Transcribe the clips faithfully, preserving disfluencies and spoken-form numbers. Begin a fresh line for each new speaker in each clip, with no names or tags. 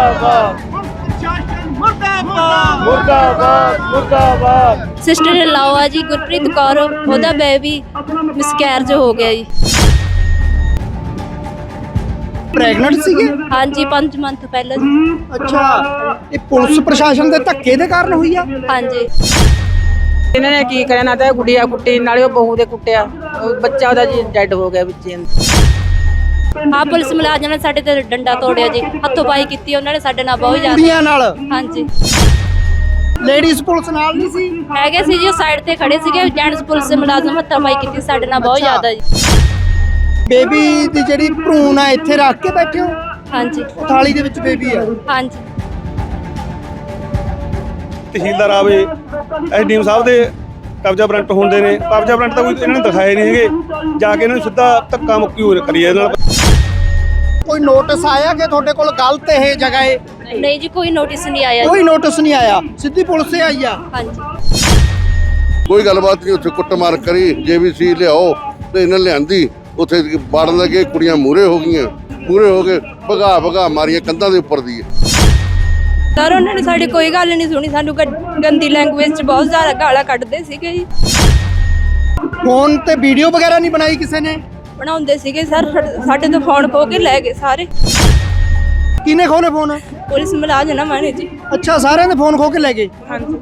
मुर्दाबाद मुर्दाबाद मुर्दाबाद।
सिस्टर इन लॉ आ जी गुरप्रीत कौर, ਉਹਦਾ ਬੇਬੀ ਮਿਸਕੈਰਜ ਹੋ ਗਿਆ ਜੀ।
ਪ੍ਰੈਗਨੈਂਟ ਸੀਗੇ?
ਹਾਂਜੀ ਪੰਜ ਮੰਥ ਪਹਿਲਾਂ ਜੀ।
ਅੱਛਾ, ਇਹ ਪੁਲਿਸ ਪ੍ਰਸ਼ਾਸਨ ਦੇ ਧੱਕੇ ਦੇ ਕਾਰਨ ਹੋਈ ਆ?
ਹਾਂਜੀ
ਇਹਨਾਂ ਨੇ ਕੀ ਕਰਿਆ, ਨਾ ਤਾਂ ਗੁੱਡੀਆ ਕੁੱਟੀ, ਨਾਲੇ ਉਹ ਬਹੂ ਦੇ ਕੁੱਟਿਆ, ਉਹ ਬੱਚਾ ਉਹਦਾ ਜੀ ਡੈਡ ਹੋ ਗਿਆ ਵਿੱਚੇ।
ਆ ਪੁਲਿਸ ਮੁਲਾਜ਼ਮਾਂ ਨੇ ਸਾਡੇ ਤੇ ਡੰਡਾ ਤੋੜਿਆ ਜੀ, ਹੱਥੋਂ ਪਾਈ ਕੀਤੀ ਉਹਨਾਂ ਨੇ ਸਾਡੇ ਨਾਲ ਬਹੁਤ ਜ਼ਿਆਦਾ।
ਕੁੜੀਆਂ ਨਾਲ?
ਹਾਂਜੀ
ਲੇਡੀਜ਼ ਪੁਲਿਸ ਨਾਲ ਨਹੀਂ ਸੀ?
ਹੈਗੇ ਸੀ ਜੀ, ਉਹ ਸਾਈਡ ਤੇ ਖੜੇ ਸੀਗੇ। ਜੈਂਟਸ ਪੁਲਿਸ ਮੁਲਾਜ਼ਮ ਹੱਥੋਂ ਪਾਈ ਕੀਤੀ ਸਾਡੇ ਨਾਲ ਬਹੁਤ ਜ਼ਿਆਦਾ ਜੀ।
ਬੇਬੀ ਦੀ ਜਿਹੜੀ ਭਰੂਣ ਆ ਇੱਥੇ ਰੱਖ ਕੇ ਬੈਠੇ ਹੋ?
ਹਾਂਜੀ
ਥਾਲੀ ਦੇ ਵਿੱਚ ਬੇਬੀ ਆ?
ਹਾਂਜੀ
ਤਹਿਸੀਲਦਾਰ ਆਵੇ, ਐਸਡੀਐਮ ਸਾਹਿਬ ਦੇ ਕਬਜ਼ਾ ਵਾਰੰਟ ਹੁੰਦੇ ਨੇ। ਕਬਜ਼ਾ ਵਾਰੰਟ ਤਾਂ ਕੋਈ ਇਹਨਾਂ ਨੇ ਦਿਖਾਏ ਨਹੀਂ ਹੈਗੇ, ਜਾ ਕੇ ਇਹਨਾਂ ਨੂੰ ਸਿੱਧਾ ਧੱਕਾ ਮੁੱਕੀ ਹੋ ਕਰੀ ਇਹਦੇ ਨਾਲ।
ਕੋਈ ਨੋਟਿਸ ਆਇਆ ਕਿ ਤੁਹਾਡੇ ਕੋਲ ਗਲਤ ਇਹ ਜਗ੍ਹਾ ਹੈ?
ਨਹੀਂ ਜੀ ਕੋਈ ਨੋਟਿਸ ਨਹੀਂ ਆਇਆ
ਕੋਈ ਨੋਟਿਸ ਨਹੀਂ ਆਇਆ, ਸਿੱਧੀ ਪੁਲਿਸ ਹੀ ਆਈ ਆ?
ਹਾਂਜੀ
ਕੋਈ ਗੱਲਬਾਤ ਨਹੀਂ, ਉੱਥੇ ਕੁੱਟਮਾਰ ਕਰੀ, ਜੇਬੀਸੀ ਲਿਆਓ ਤੇ ਇਹਨਾਂ ਲਿਆਂਦੀ, ਉੱਥੇ ਵੜਨ ਲੱਗੇ, ਕੁੜੀਆਂ ਮੂਹਰੇ ਹੋ ਗਈਆਂ, ਮੂਹਰੇ ਹੋ ਕੇ ਭਗਾ ਭਗਾ ਮਾਰੀਆਂ ਕੰਧਾਂ ਦੇ ਉੱਪਰ ਦੀ।
ਸਰ ਉਹਨਾਂ ਨੇ ਸਾਡੀ ਕੋਈ ਗੱਲ ਨਹੀਂ ਸੁਣੀ, ਸਾਨੂੰ ਗ- ਗੰਦੀ ਲੈਂਗੁਏਜ ਚ ਬਹੁਤ ਜ਼ਿਆਦਾ ਗਾਲਾਂ ਕੱਢਦੇ ਸੀਗੇ ਜੀ।
ਫੋਨ ਤੇ ਵੀਡੀਓ ਵਗੈਰਾ ਨਹੀਂ ਬਣਾਈ ਕਿਸੇ ਨੇ?
ਬਣਾਉਂਦੇ ਸੀਗੇ ਸਰ, ਸਾਡੇ- ਸਾਡੇ ਤੋਂ ਫੋਨ ਖੋ ਕੇ ਲੈ ਗਏ ਸਾਰੇ।
ਕਿਹਨੇ ਖੋਨੇ ਫੋਨ?
ਪੁਲਿਸ ਮੁਲਾਜ਼ਮਾਂ ਨੇ ਜੀ।
ਅੱਛਾ, ਸਾਰਿਆਂ ਦੇ ਫੋਨ ਖੋ ਕੇ ਲੈ ਗਏ?
ਹਾਂਜੀ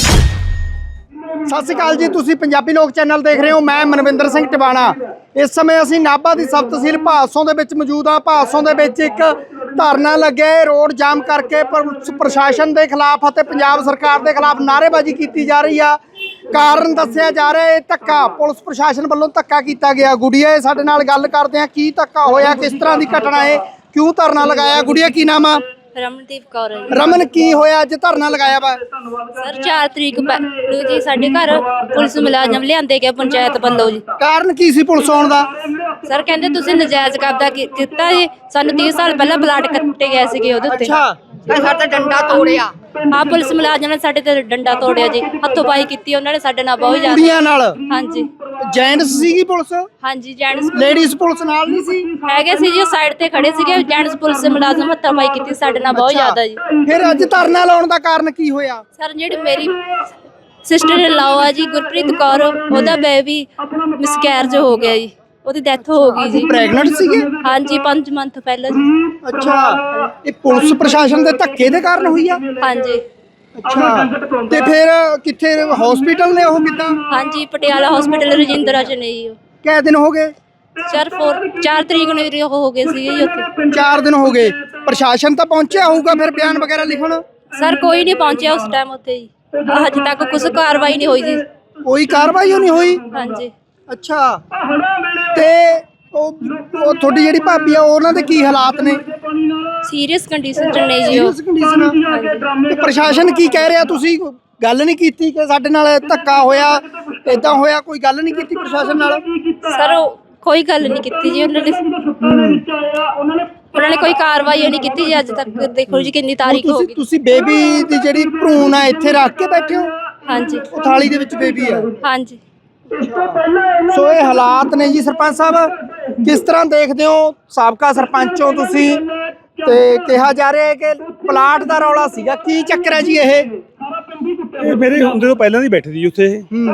ਸਤਿ ਸ਼੍ਰੀ ਅਕਾਲ ਜੀ, ਤੁਸੀਂ ਪੰਜਾਬੀ ਲੋਕ ਚੈਨਲ ਦੇਖ ਰਹੇ ਹੋ। ਮੈਂ ਮਨਵਿੰਦਰ ਸਿੰਘ ਟਿਵਾਣਾ। ਇਸ ਸਮੇਂ ਅਸੀਂ ਨਾਭਾ ਦੀ ਸਬ ਤਹਿਸੀਲ ਭਾਦਸੋਂ ਦੇ ਵਿੱਚ ਮੌਜੂਦ ਆ। ਭਾਦਸੋਂ ਦੇ ਵਿੱਚ ਇੱਕ ਧਰਨਾ ਲੱਗਿਆ, ਰੋਡ ਜਾਮ ਕਰਕੇ ਪੁਲਿਸ ਪ੍ਰਸ਼ਾਸਨ ਦੇ ਖਿਲਾਫ ਅਤੇ ਪੰਜਾਬ ਸਰਕਾਰ ਦੇ ਖਿਲਾਫ ਨਾਅਰੇਬਾਜ਼ੀ ਕੀਤੀ ਜਾ ਰਹੀ ਆ। ਕਾਰਨ ਦੱਸਿਆ ਜਾ ਰਿਹਾ ਹੈ ਧੱਕਾ, ਪੁਲਿਸ ਪ੍ਰਸ਼ਾਸਨ ਵੱਲੋਂ ਧੱਕਾ ਕੀਤਾ ਗਿਆ। ਗੁੜੀਆ ਸਾਡੇ ਨਾਲ ਗੱਲ ਕਰਦੇ ਆ, ਕੀ ਧੱਕਾ ਹੋਇਆ, ਕਿਸ ਤਰ੍ਹਾਂ ਦੀ ਘਟਨਾ ਹੈ, ਕਿਉਂ ਧਰਨਾ ਲਗਾਇਆ? ਗੁੜੀਆ ਕੀ ਨਾਮ ਆ?
ਰਮਨਦੀਪ ਕੌਰ ਹੈ ਜੀ।
ਰਮਨ, ਕੀ ਹੋਇਆ ਅੱਜ ਧਰਨਾ ਲਗਾਇਆ ਵਾ?
ਸਰ ਚਾਰ ਤਰੀਕ ਪੈ- ਨੂੰ ਜੀ ਸਾਡੇ ਘਰ ਪੁਲਿਸ ਮੁਲਾਜ਼ਮ ਲਿਆਂਦੇ ਗਏ ਪੰਚਾਇਤ ਵੱਲੋਂ ਜੀ।
ਕਾਰਨ ਕੀ ਸੀ ਪੁਲਿਸ ਆਉਣ ਦਾ?
ਸਰ ਕਹਿੰਦੇ ਤੁਸੀਂ ਨਜਾਇਜ਼ ਕਬਜ਼ਾ ਕੀ- ਕੀਤਾ ਜੀ, ਸਾਨੂੰ ਤੀਹ ਸਾਲ ਪਹਿਲਾਂ ਪਲਾਟ ਕੱਟੇ ਗਏ ਸੀਗੇ ਉਹਦੇ ਉੱਤੇ।
ਅੱਛਾ,
ਸਾਡਾ ਡੰਡਾ ਤੋੜਿਆ। ਆ ਪੁਲਿਸ ਮੁਲਾਜ਼ਮਾਂ ਨੇ ਸਾਡੇ ਤੇ ਡੰਡਾ ਤੋੜਿਆ ਜੀ, ਹੱਥੋਂ ਪਾਈ ਕੀਤੀ ਉਹਨਾਂ ਨੇ ਸਾਡੇ ਨਾਲ ਬਹੁਤ ਜ਼ਿਆਦਾ।
ਕੁੜੀਆਂ ਨਾਲ?
ਹਾਂਜੀ
ਜੈਂਟਸ ਸੀਗੀ ਪੁਲਿਸ?
ਹਾਂਜੀ ਜੈਂਟਸ
ਲੇਡੀਜ਼ ਪੁਲਿਸ ਨਾਲ ਨਹੀਂ ਸੀ?
ਹੈਗੇ ਸੀ ਜੀ, ਉਹ ਸਾਈਡ ਤੇ ਖੜੇ ਸੀਗੇ। ਜੈਂਟਸ ਪੁਲਿਸ ਮੁਲਾਜ਼ਮ ਹੱਥੋਂ ਪਾਈ ਕੀਤੀ ਸਾਡੇ ਨਾਲ ਬਹੁਤ ਜ਼ਿਆਦਾ ਜੀ।
ਫਿਰ ਅੱਜ ਧਰਨਾ ਲਾਉਣ ਦਾ ਕਾਰਨ ਕੀ ਹੋਇਆ?
ਸਰ ਜਿਹੜੀ ਮੇਰੀ ਸਿਸਟਰ ਇਨ ਲॉ ਆ ਜੀ ਗੁਰਪ੍ਰੀਤ ਕੌਰ, ਉਹਦਾ ਬੇਬੀ ਮਿਸਕੈਰਜ ਹੋ ਗਿਆ ਜੀ, ਉਹਦੀ ਡੈਥ ਹੋ ਗਈ ਜੀ।
ਪ੍ਰੈਗਨੈਂਟ ਸੀਗੇ?
ਹਾਂਜੀ ਪੰਜ ਮੰਥ ਪਹਿਲਾਂ ਜੀ।
ਅੱਛਾ, ਇਹ ਪੁਲਿਸ ਪ੍ਰਸ਼ਾਸਨ ਦੇ ਧੱਕੇ ਦੇ ਕਾਰਨ ਹੋਈ ਆ?
ਹਾਂਜੀ
ਅੱਛਾ, ਤੇ ਫਿਰ ਕਿੱਥੇ ਹਸਪੀਟਲ ਨੇ ਉਹ ਕਿੱਦਾਂ?
ਹਾਂਜੀ ਪਟਿਆਲਾ ਹਸਪੀਟਲ ਰਜਿੰਦਰਾ ਚ ਨੇ ਜੀ ਉਹ।
ਕਿੰਨੇ ਦਿਨ ਹੋ ਗਏ?
ਸਰ ਫੋਰ ਚਾਰ ਤਰੀਕ ਨੂੰ ਵੀ ਉਹ ਹੋ ਗਏ ਸੀਗੇ ਜੀ ਉੱਥੇ।
ਚਾਰ ਦਿਨ ਹੋ ਗਏ। ਪ੍ਰਸ਼ਾਸਨ ਤਾਂ ਪਹੁੰਚਿਆ ਹੋਊਗਾ ਫਿਰ ਬਿਆਨ ਵਗੈਰਾ ਲਿਖਣ?
ਸਰ ਕੋਈ ਨਹੀਂ ਪਹੁੰਚਿਆ ਉਸ ਟਾਈਮ ਉੱਥੇ ਜੀ, ਹਜੇ ਤੱਕ ਕੁਝ ਕਾਰਵਾਈ ਨਹੀਂ ਹੋਈ ਜੀ।
ਕੋਈ ਕਾਰਵਾਈ ਨਹੀਂ ਹੋਈ?
ਹਾਂਜੀ
ਅੱਛਾ, ਤੇ ਉਹ ਉਹ ਤੁਹਾਡੀ ਜਿਹੜੀ ਭਾਬੀ ਆ ਉਹਨਾਂ ਦੇ ਕੀ ਹਾਲਾਤ ਨੇ?
ਸੀਰੀਅਸ ਕੰਡੀਸ਼ਨ ਚ ਨੇ ਜੀ ਉਹ।
Serious condition? ਤੇ ਪ੍ਰਸ਼ਾਸਨ ਕੀ ਕਹਿ ਰਿਹਾ? ਤੁਸੀਂ ਗੱਲ ਨਹੀਂ ਕੀਤੀ ਕਿ ਸਾਡੇ ਨਾਲ ਧੱਕਾ ਹੋਇਆ, ਏਦਾਂ ਹੋਇਆ? ਕੋਈ ਗੱਲ ਨਹੀਂ ਕੀਤੀ ਪ੍ਰਸ਼ਾਸਨ ਨਾਲ?
ਸਰ ਉਹ ਕੋਈ ਗੱਲ ਨਹੀਂ ਕੀਤੀ ਜੀ ਉਹਨਾਂ ਨੇ। ਉਹਨਾਂ ਨੇ ਕੋਈ ਕਾਰਵਾਈ ਨਹੀਂ ਕੀਤੀ ਜੀ ਅੱਜ ਤੱਕ। ਦੇਖੋ ਜੀ ਕਿੰਨੀ ਤਾਰੀਖ ਹੋ
ਤੁਸੀਂ
ਗਈ।
ਤੁਸੀਂ ਬੇਬੀ ਦੀ ਜਿਹੜੀ ਭਰੂਣ ਆ ਇੱਥੇ ਰੱਖ ਕੇ ਬੈਠੇ ਹੋ?
ਹਾਂਜੀ
ਉਹ ਥਾਲੀ ਦੇ ਵਿੱਚ ਬੇਬੀ ਆ?
ਹਾਂਜੀ
ਸੋ ਇਹ ਹਾਲਾਤ ਨੇ ਜੀ। ਸਰਪੰਚ ਸਾਹਿਬ ਕਿਸ ਤਰ੍ਹਾਂ ਦੇਖਦੇ ਹੋ? ਸਾਬਕਾ ਸਰਪੰਚ ਹੋ ਤੁਸੀਂ, ਤੇ ਕਿਹਾ ਜਾ ਰਿਹਾ ਹੈ ਕਿ ਪਲਾਟ ਦਾ ਰੌਲਾ ਸੀਗਾ, ਕੀ ਚੱਕਰ ਹੈ ਜੀ ਇਹ?
ਇਹ ਮੇਰੇ ਹੁੰਦੇ ਤੋਂ ਪਹਿਲਾਂ ਦੀ ਬੈਠੀ ਸੀ ਉੱਥੇ।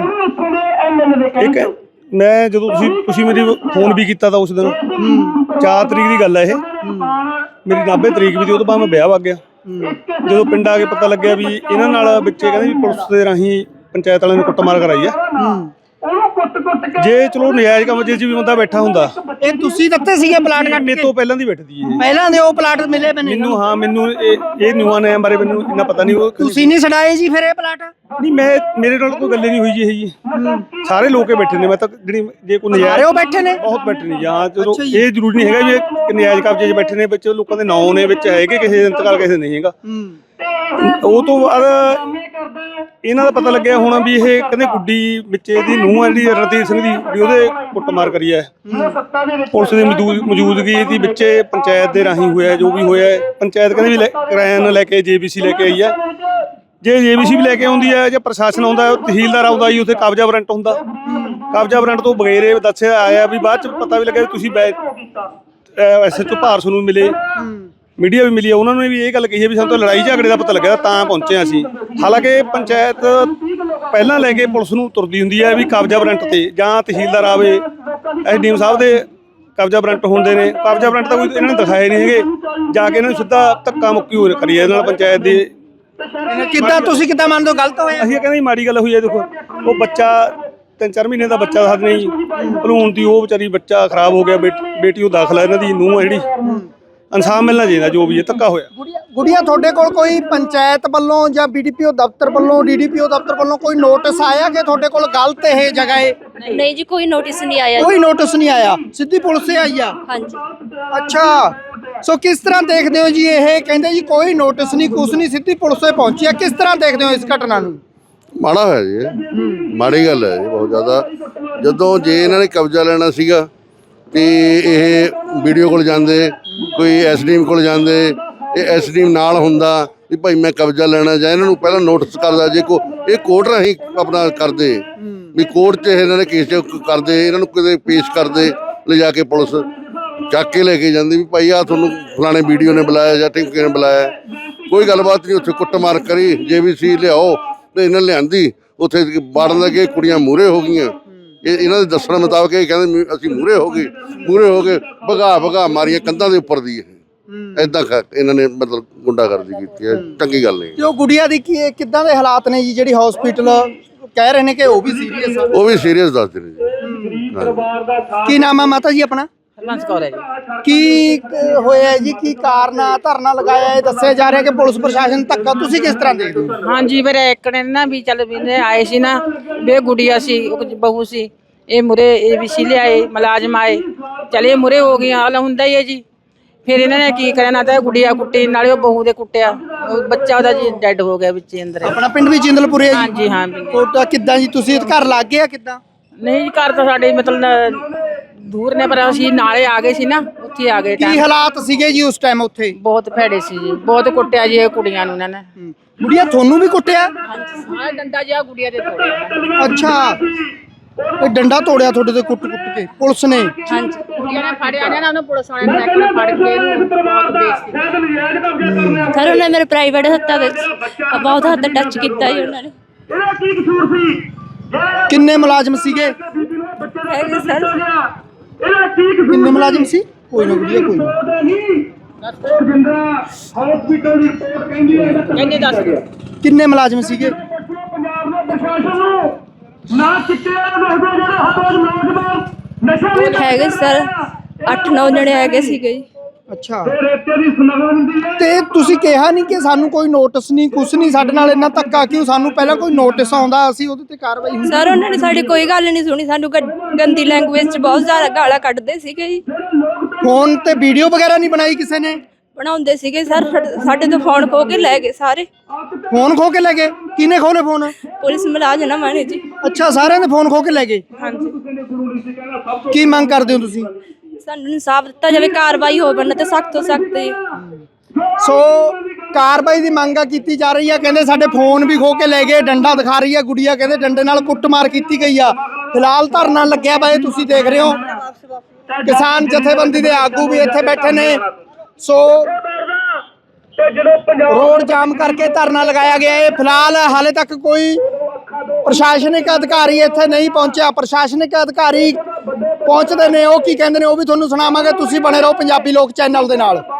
ਇੱਕ ਮੈਂ ਜਦੋਂ ਤੁਸੀਂ ਤੁਸੀਂ ਮੇਰੀ ਫੋਨ ਵੀ ਕੀਤਾ ਤਾਂ ਉਸ ਦਿਨ ਚਾਰ ਤਰੀਕ ਦੀ ਗੱਲ ਹੈ ਇਹ। ਮੇਰੀ ਨਾਭੇ ਤਰੀਕ ਵੀ ਸੀ, ਉਹ ਤੋਂ ਬਾਅਦ ਮੈਂ ਵਿਆਹ ਵਗ ਗਿਆ। ਜਦੋਂ ਪਿੰਡ ਆ ਕੇ ਪਤਾ ਲੱਗਿਆ ਵੀ ਇਹਨਾਂ ਨਾਲ ਵਿੱਚੇ ਕਹਿੰਦੇ ਵੀ ਪੁਲਿਸ ਦੇ ਰਾਹੀਂ ਪੰਚਾਇਤ ਵਾਲਿਆਂ ਨੇ ਕੁੱਟਮਾਰ ਕਰਾਈ ਆ। ਜੇ ਚਲੋ ਨਜਾਇਜ਼ ਕੰਮ ਜੇ ਵੀ ਬੰਦਾ ਬੈਠਾ ਹੁੰਦਾ।
ਇਹ ਤੁਸੀਂ ਦਿੱਤੇ ਸੀਗੇ ਪਲਾਟ ਕੱਟ
ਮੇਰੇ
ਕੇ?
ਤੋਂ ਪਹਿਲਾਂ ਦੀ ਬੈਠਦੀ ਇਹ।
ਪਹਿਲਾਂ ਦੇ ਉਹ ਪਲਾਟ ਮਿਲੇ ਮੈਨੂੰ?
ਮੈਨੂੰ ਹਾਂ ਮੈਨੂੰ ਇਹ ਇਹ ਨਿਊਆਂ ਨੇ ਬਾਰੇ ਮੈਨੂੰ ਇੰਨਾ ਪਤਾ ਨਹੀਂ। ਉਹ
ਤੁਸੀਂ ਨਹੀਂ ਛਡਾਏ ਜੀ ਫਿਰ ਇਹ ਪਲਾਟ?
ਨਹੀਂ, ਮੈਂ ਮੇਰੇ ਨਾਲ ਕੋਈ ਗੱਲ ਨਹੀਂ ਹੋਈ ਜੀ ਇਹ ਜੀ। ਸਾਰੇ ਲੋਕੇ ਬੈਠੇ ਨੇ। ਮੈਂ ਤਾਂ ਜਿਹੜੀ ਜੇ ਕੋਈ ਨਜਾਇਜ਼
ਸਾਰੇ ਉਹ ਬੈਠੇ ਨੇ?
ਬਹੁਤ ਬੈਠੇ ਨੇ ਜਾਂ ਚਲੋ
ਅੱਛਾ ਜੀ।
ਇਹ ਜ਼ਰੂਰੀ ਨਹੀਂ ਹੈਗਾ ਵੀ ਇਹ ਨਜਾਇਜ਼ ਕਬਜ਼ੇ 'ਚ ਬੈਠੇ ਨੇ। ਵਿੱਚ ਲੋਕਾਂ ਦੇ ਨਾਂ ਨੇ, ਵਿੱਚ ਹੈਗੇ ਕਿਸੇ ਦੇ ਇੰਤਕਾਲ, ਕਿਸੇ ਨਹੀਂ ਹੈਗਾ। ਉਹ ਤੋਂ ਬਾਅਦ ਇਹਨਾਂ ਦਾ ਪਤਾ ਲੱਗਿਆ ਹੋਣਾ ਵੀ ਇਹ ਕਹਿੰਦੇ ਗੁੱਡੀ ਵਿੱਚ ਇਹਦੀ ਨੂੰਹ ਆ ਜਿਹੜੀ ਰਣਜੀਤ ਸਿੰਘ ਦੀ, ਵੀ ਉਹਦੇ ਕੁੱਟਮਾਰ ਕਰੀ ਹੈ। ਪੁਲਿਸ ਦੀ ਮੌਜੂਦ ਮੌਜੂਦਗੀ ਇਹਦੀ ਵਿੱਚੇ ਪੰਚਾਇਤ ਦੇ ਰਾਹੀਂ ਹੋਇਆ ਜੋ ਵੀ ਹੋਇਆ। ਪੰਚਾਇਤ ਕਹਿੰਦੇ ਵੀ ਕਿਰਾਇਆ ਲੈ ਕੇ ਜੇਬੀਸੀ ਲੈ ਕੇ ਆਈ ਹੈ। ਜੇ ਜੇਬੀਸੀ ਵੀ ਲੈ ਕੇ ਆਉਂਦੀ ਹੈ, ਜੇ ਪ੍ਰਸ਼ਾਸਨ ਆਉਂਦਾ, ਤਹਿਸੀਲਦਾਰ ਆਉਂਦਾ ਜੀ, ਉੱਥੇ ਕਬਜ਼ਾ ਵਾਰੰਟ ਹੁੰਦਾ। ਕਬਜ਼ਾ ਵਾਰੰਟ ਤੋਂ ਬਗੈਰੇ ਦੱਸਿਆ ਆਇਆ ਵੀ ਬਾਅਦ ਚ ਪਤਾ ਵੀ ਲੱਗਿਆ ਵੀ ਤੁਸੀਂ ਐਸ ਐਚ ਓ ਭਾਰਸ ਨੂੰ ਮਿਲੇ ਮੀਡੀਆ ਵੀ ਮਿਲੀ ਆ, ਉਹਨਾਂ ਨੇ ਵੀ ਇਹ ਗੱਲ ਕਹੀ ਹੈ ਵੀ ਸਾਨੂੰ ਤਾਂ ਲੜਾਈ ਝਗੜੇ ਦਾ ਪਤਾ ਲੱਗਿਆ ਤਾਂ ਪਹੁੰਚੇ ਹਾਂ ਅਸੀਂ। ਹਾਲਾਂਕਿ ਪੰਚਾਇਤ ਪਹਿਲਾਂ ਲੈ ਕੇ ਪੁਲਿਸ ਨੂੰ ਤੁਰਦੀ ਹੁੰਦੀ ਹੈ ਵੀ ਕਬਜ਼ਾ ਵਾਰੰਟ ਤੇ ਜਾਂ ਤਹਿਸੀਲਦਾਰ ਆਵੇ, ਐਸਡੀਐਮ ਸਾਹਿਬ ਦੇ ਕਬਜ਼ਾ ਵਾਰੰਟ ਹੁੰਦੇ ਨੇ। ਕਬਜ਼ਾ ਵਾਰੰਟ ਤਾਂ ਕੋਈ ਇਹਨਾਂ ਨੇ ਦਿਖਾਏ ਨਹੀਂ ਹੈਗੇ, ਜਾ ਕੇ ਇਹਨਾਂ ਨੂੰ ਸਿੱਧਾ ਧੱਕਾ ਮੁੱਕੀ ਹੋ ਕਰੀ ਇਹਦੇ ਨਾਲ ਪੰਚਾਇਤ ਦੀ।
ਕਿੱਦਾਂ ਤੁਸੀਂ ਕਿੱਦਾਂ ਮੰਨਦੇ ਹੋ ਗਲਤ ਹੋਇਆ?
ਅਸੀਂ ਇਹ ਕਹਿੰਦੇ ਮਾੜੀ ਗੱਲ ਹੋਈ ਹੈ। ਦੇਖੋ ਉਹ ਬੱਚਾ ਤਿੰਨ ਚਾਰ ਮਹੀਨੇ ਦਾ ਬੱਚਾ ਸਾਥ ਨਹੀਂ ਭਲੂਣ ਦੀ, ਉਹ ਵਿਚਾਰੀ ਬੱਚਾ ਖਰਾਬ ਹੋ ਗਿਆ, ਬੇਟੀ ਉਹ ਦਾਖਲਾ ਇਹਨਾਂ ਦੀ ਨੂੰਹ ਹੈ ਜਿਹੜੀ। ਇਨਸਾਫ ਮਿਲਣਾ ਚਾਹੀਦਾ ਜੋ ਵੀ ਇਹ ਧੱਕਾ ਹੋਇਆ।
ਗੁੜੀਆ ਗੁੜੀਆ ਤੁਹਾਡੇ ਕੋਲ ਕੋਈ ਪੰਚਾਇਤ ਵੱਲੋਂ ਜਾਂ ਬੀਡੀਪੀਓ ਦਫ਼ਤਰ ਵੱਲੋਂ ਡੀਡੀਪੀਓ ਦਫ਼ਤਰ ਵੱਲੋਂ ਕੋਈ ਨੋਟਿਸ ਆਇਆ ਕਿ ਤੁਹਾਡੇ ਕੋਲ ਗਲਤ ਇਹ ਜਗ੍ਹਾ ਹੈ?
ਨਹੀਂ ਜੀ, ਕੋਈ ਨੋਟਿਸ ਨਹੀਂ ਆਇਆ।
ਕੋਈ ਨੋਟਿਸ ਨਹੀਂ ਆਇਆ, ਸਿੱਧੀ ਪੁਲਿਸ ਸੇ ਆਈ ਆ?
ਹਾਂਜੀ।
ਅੱਛਾ, ਸੋ ਕਿਸ ਤਰ੍ਹਾਂ ਦੇਖਦੇ ਹੋ ਜੀ? ਇਹ ਕਹਿੰਦੇ ਜੀ ਕੋਈ ਨੋਟਿਸ ਨਹੀਂ, ਕੁਛ ਨਹੀਂ, ਸਿੱਧੀ ਪੁਲਿਸ ਸੇ ਪਹੁੰਚੀ ਆ। ਕਿਸ ਤਰ੍ਹਾਂ ਦੇਖਦੇ ਹੋ ਇਸ ਘਟਨਾ ਨੂੰ?
ਮਾੜਾ ਹੋਇਆ ਜੀ, ਇਹ ਮਾੜੀ ਗੱਲ ਹੈ ਜੀ ਬਹੁਤ ਜ਼ਿਆਦਾ। ਜਦੋਂ ਜੇ ਇਹਨਾਂ ਨੇ ਕਬਜ਼ਾ ਲੈਣਾ ਸੀਗਾ ਤੇ ਇਹ ਵੀਡੀਓ ਕੋਲ ਜਾਂਦੇ, ਕੋਈ ਐਸਡੀਐਮ ਕੋਲ ਜਾਂਦੇ, ਇਹ ਐਸਡੀਐਮ ਨਾਲ ਹੁੰਦਾ ਵੀ ਭਾਈ ਮੈਂ ਕਬਜ਼ਾ ਲੈਣਾ, ਜਾਂ ਇਹਨਾਂ ਨੂੰ ਪਹਿਲਾਂ ਨੋਟਿਸ ਕਰਦਾ। ਜੇ ਕੋ ਇਹ ਕੋਰਟ ਰਾਹੀਂ ਆਪਣਾ ਕਰਦੇ ਵੀ ਕੋਰਟ 'ਚ ਇਹਨਾਂ ਨੇ ਕੇਸ ਕਰਦੇ, ਇਹਨਾਂ ਨੂੰ ਕਿਤੇ ਪੇਸ਼ ਕਰਦੇ, ਲਿਜਾ ਕੇ ਪੁਲਿਸ ਚੱਕ ਕੇ ਲੈ ਕੇ ਜਾਂਦੀ ਵੀ ਭਾਈ ਆ ਤੁਹਾਨੂੰ ਫਲਾਣੇ ਵੀਡੀਓ ਨੇ ਬੁਲਾਇਆ ਜਾਂ ਟਿੰਕੇ ਨੇ ਬੁਲਾਇਆ। ਕੋਈ ਗੱਲਬਾਤ ਨਹੀਂ, ਉੱਥੇ ਕੁੱਟਮਾਰ ਕਰੀ, ਜੇ ਵੀ ਸੀ ਲਿਆਓ ਤੇ ਇਹਨਾਂ ਲਿਆਂਦੀ, ਉੱਥੇ ਬਾੜਨ ਲੱਗੇ, ਕੁੜੀਆਂ ਮੂਹਰੇ ਹੋ ਗਈਆਂ। ਇਹ ਇਹਨਾਂ ਦੇ ਦੱਸਣ ਮੁਤਾਬਕ ਇਹ ਕਹਿੰਦੇ ਅਸੀਂ ਮੂਹਰੇ ਹੋ ਗਏ, ਮੂਹਰੇ ਹੋ ਕੇ ਭਗਾ ਭਗਾ ਮਾਰੀਆਂ ਕੰਧਾਂ ਦੇ ਉੱਪਰ ਦੀ। ਇਹ ਏਦਾਂ ਇਹਨਾਂ ਨੇ ਮਤਲਬ ਗੁੰਡਾਗਰਦੀ ਕੀਤੀ ਹੈ, ਚੰਗੀ ਗੱਲ ਨਹੀਂ।
ਤੇ ਉਹ ਗੁੜੀਆ ਦੀ ਕੀ ਕਿੱਦਾਂ ਦੇ ਹਾਲਾਤ ਨੇ ਜੀ, ਜਿਹੜੀ ਹਸਪੀਟਲ ਕਹਿ ਰਹੇ ਨੇ ਕਿ ਉਹ ਵੀ ਸੀਰੀਅਸ ਆ?
ਉਹ ਵੀ ਸੀਰੀਅਸ ਦੱਸਦੇ ਨੇ ਜੀ।
ਕੀ ਨਾਮ ਆ ਮਾਤਾ ਜੀ ਆਪਣਾ?
ਹਰਬੰਸ ਕੌਰ ਹੈ ਜੀ।
ਕੀ ਅਹ, ਹੋਇਆ ਜੀ? ਕੀ ਕਾਰਨ ਆ ਧਰਨਾ ਲਗਾਇਆ? ਇਹ ਦੱਸਿਆ ਜਾ ਰਿਹਾ ਕਿ ਪੁਲਿਸ ਪ੍ਰਸ਼ਾਸਨ ਧੱਕਾ, ਤੁਸੀਂ ਕਿਸ ਤਰ੍ਹਾਂ ਦੇਖਦੇ ਹੋ?
ਹਾਂਜੀ, ਮੇਰੇ ਇੱਕ ਨੇ ਨਾ ਵੀ ਚੱਲ ਵੀ ਨੇ ਆਏ ਸੀ ਨਾ, ਬੇ ਗੁੜੀਆ ਸੀ, ਉਹ ਬਹੂ ਸੀ, ਇਹ ਮੁਰੇ ਇਹ ਵੀ ਸੀ ਲਿਆਏ, ਮੁਲਾਜ਼ਮ ਆਏ, ਚਲੇ ਮੁਰੇ ਹੋ ਗਏ। ਹਾਲ ਹੁੰਦਾ ਹੀ ਹੈ ਜੀ। ਫਿਰ ਇਹਨਾਂ ਨੇ ਕੀ ਕਰਿਆ, ਨਾ ਤਾਂ ਗੁੜੀਆ ਕੁੱਟੀ, ਨਾਲੇ ਉਹ ਬਹੂ ਦੇ ਕੁੱਟਿਆ, ਉਹ ਬੱਚਾ ਉਹਦਾ ਜੀ ਡੈਡ ਹੋ ਗਿਆ ਵਿੱਚ ਅੰਦਰ।
ਆਪਣਾ ਪਿੰਡ ਵੀ ਜਿੰਦਲਪੁਰੇ ਹੈ ਜੀ?
ਹਾਂਜੀ ਹਾਂ ਵੀ।
ਕੋਟਾ ਕਿੱਦਾਂ ਜੀ? ਤੁਸੀਂ ਘਰ ਲੱਗ ਗਏ ਆ ਕਿੱਦਾਂ?
ਨਹੀਂ ਜੀ, ਘਰ ਤਾਂ ਸਾਡੇ ਮਤਲਬ ਦੂਰ ਨੇ, ਪਰ ਅਸੀਂ ਨਾਲੇ ਆ ਗਏ ਸੀ ਨਾ, ਉੱਥੇ ਆ ਗਏ।
ਕੀ ਹਾਲਾਤ ਸੀਗੇ ਜੀ ਉਸ ਟਾਈਮ ਉੱਥੇ?
ਬਹੁਤ ਭੈੜੇ ਸੀ ਜੀ, ਬਹੁਤ ਕੁੱਟਿਆ ਜੀ ਇਹ ਕੁੜੀਆਂ ਨੂੰ ਇਹਨਾਂ ਨੇ।
ਗੁੜੀਆ ਤੁਹਾਨੂੰ ਵੀ ਕੁੱਟਿਆ?
ਹਾਂ, ਡੰਡਾ ਜਿਹਾ ਗੁੜੀਆ ਦੇ ਤੋੜਿਆ।
ਅੱਛਾ, ਇਹ ਡੰਡਾ ਤੋੜਿਆ ਤੁਹਾਡੇ ਤੇ ਕੁੱਟ ਕੁੱਟ ਕੇ ਪੁਲਿਸ ਨੇ?
ਹਾਂਜੀ।
ਕੁੜੀਆਂ ਨੇ ਫੜਿਆ ਨਾ, ਉਹਨੂੰ ਪੁਲਿਸ ਵਾਲਿਆਂ ਨੇ ਨੈਕ ਫੜ ਕੇ ਇਹਨੂੰ ਬਹੁਤ ਬੇਇੱਜ਼ਤੀ ਕੀਤੀ।
ਸਰ ਉਹਨਾਂ ਮੇਰੇ ਪ੍ਰਾਈਵੇਟ ਹੱਥਾਂ ਵਿੱਚ ਬਹੁਤ ਹੱਦ ਟੱਚ ਕੀਤਾ ਜੀ ਉਹਨਾਂ ਨੇ।
ਕਿੰਨੇ ਮੁਲਾਜ਼ਮ ਸੀਗੇ?
ਹੈਗੇ ਸਰ
ਕਿੰਨੇ ਮੁਲਾਜ਼ਮ ਸੀ? ਕੋਈ ਨਾ ਗੁੜੀਆ, ਕੋਈ ਨਾ।
ਕਹਿੰਦੇ ਦੱਸ
ਕਿੰਨੇ ਮੁਲਾਜ਼ਮ ਸੀਗੇ?
ਹੈਗੇ ਸਰ ਅੱਠ ਨੌ ਜਣੇ ਹੈਗੇ ਸੀਗੇ ਜੀ।
ਅੱਛਾ, ਤੇ ਤੁਸੀਂ ਕਿਹਾ ਨਹੀਂ ਕਿ ਸਾਨੂੰ ਕੋਈ ਨੋਟਿਸ ਨਹੀਂ, ਕੁਛ ਨਹੀਂ, ਸਾਡੇ ਨਾਲ ਇੰਨਾ ਧੱਕਾ ਕਿਉਂ? ਸਾਨੂੰ ਪਹਿਲਾਂ ਕੋਈ ਨੋਟਿਸ ਆਉਂਦਾ, ਅਸੀਂ ਉਹਦੇ ਤੇ ਕਾਰਵਾਈ ਹੁੰਦੀ।
ਸਰ ਉਹਨਾਂ ਨੇ ਸਾਡੀ ਕੋਈ ਗੱਲ ਨਹੀਂ ਸੁਣੀ, ਸਾਨੂੰ ਗ- ਗੰਦੀ ਲੈਂਗੁਏਜ 'ਚ ਬਹੁਤ ਜ਼ਿਆਦਾ ਗਾਲਾਂ ਕੱਢਦੇ ਸੀਗੇ ਜੀ।
ਫੋਨ ਤੇ ਵੀਡੀਓ ਵਗੈਰਾ ਨਹੀਂ ਬਣਾਈ ਕਿਸੇ ਨੇ?
ਬਣਾਉਂਦੇ ਸੀਗੇ ਸਰ, ਸਾਡੇ- ਸਾਡੇ ਤੋਂ ਫੋਨ ਖੋ ਕੇ ਲੈ ਗਏ ਸਾਰੇ।
ਫੋਨ ਖੋ ਕੇ ਲੈ ਗਏ? ਕਿਹਨੇ ਖੋਲੇ ਫੋਨ?
ਪੁਲਿਸ ਮੁਲਾਜ਼ਮ ਮਾਨੇ ਜੀ।
ਅੱਛਾ, ਸਾਰਿਆਂ ਦੇ ਫੋਨ ਖੋ ਕੇ ਲੈ ਗਏ।
ਹਾਂਜੀ।
ਕੀ ਮੰਗ ਕਰਦੇ ਹੋ ਤੁਸੀਂ?
ਸਾਨੂੰ ਇਨਸਾਫ ਦਿੱਤਾ ਜਾਵੇ, ਕਾਰਵਾਈ ਹੋਵੇ ਨਾ ਤੇ ਸਖਤ ਤੋਂ ਸਖਤ ਜੀ।
ਸੋ ਕਾਰਵਾਈ ਦੀ ਮੰਗ ਕੀਤੀ ਜਾ ਰਹੀ ਹੈ। ਕਹਿੰਦੇ ਸਾਡੇ ਫੋਨ ਵੀ ਖੋ ਕੇ ਲੈ ਗਏ, ਡੰਡਾ ਦਿਖਾ ਰਹੀ ਹੈ ਗੁੜੀਆ, ਕਹਿੰਦੇ ਡੰਡੇ ਨਾਲ ਕੁੱਟਮਾਰ ਕੀਤੀ ਗਈ ਆ। ਫਿਲਹਾਲ ਧਰਨਾ ਲੱਗਿਆ ਵਾ, ਇਹ ਤੁਸੀਂ ਦੇਖ ਰਹੇ ਹੋ। ਕਿਸਾਨ ਜਥੇਬੰਦੀ ਦੇ ਆਗੂ ਵੀ ਇੱਥੇ ਬੈਠੇ ਨੇ। ਸੋ ਰੋਡ ਜਾਮ ਕਰਕੇ ਧਰਨਾ ਲਗਾਇਆ ਗਿਆ ਹੈ। ਫਿਲਹਾਲ ਹਾਲੇ ਤੱਕ ਕੋਈ ਪ੍ਰਸ਼ਾਸਨਿਕ ਅਧਿਕਾਰੀ ਇੱਥੇ ਨਹੀਂ ਪਹੁੰਚਿਆ। ਪ੍ਰਸ਼ਾਸਨਿਕ ਅਧਿਕਾਰੀ ਪਹੁੰਚਦੇ ਨੇ, ਉਹ ਕੀ ਕਹਿੰਦੇ ਨੇ ਉਹ ਵੀ ਤੁਹਾਨੂੰ ਸੁਣਾਵਾਂਗੇ। ਤੁਸੀਂ ਬਣੇ ਰਹੋ ਪੰਜਾਬੀ ਲੋਕ ਚੈਨਲ ਦੇ ਨਾਲ।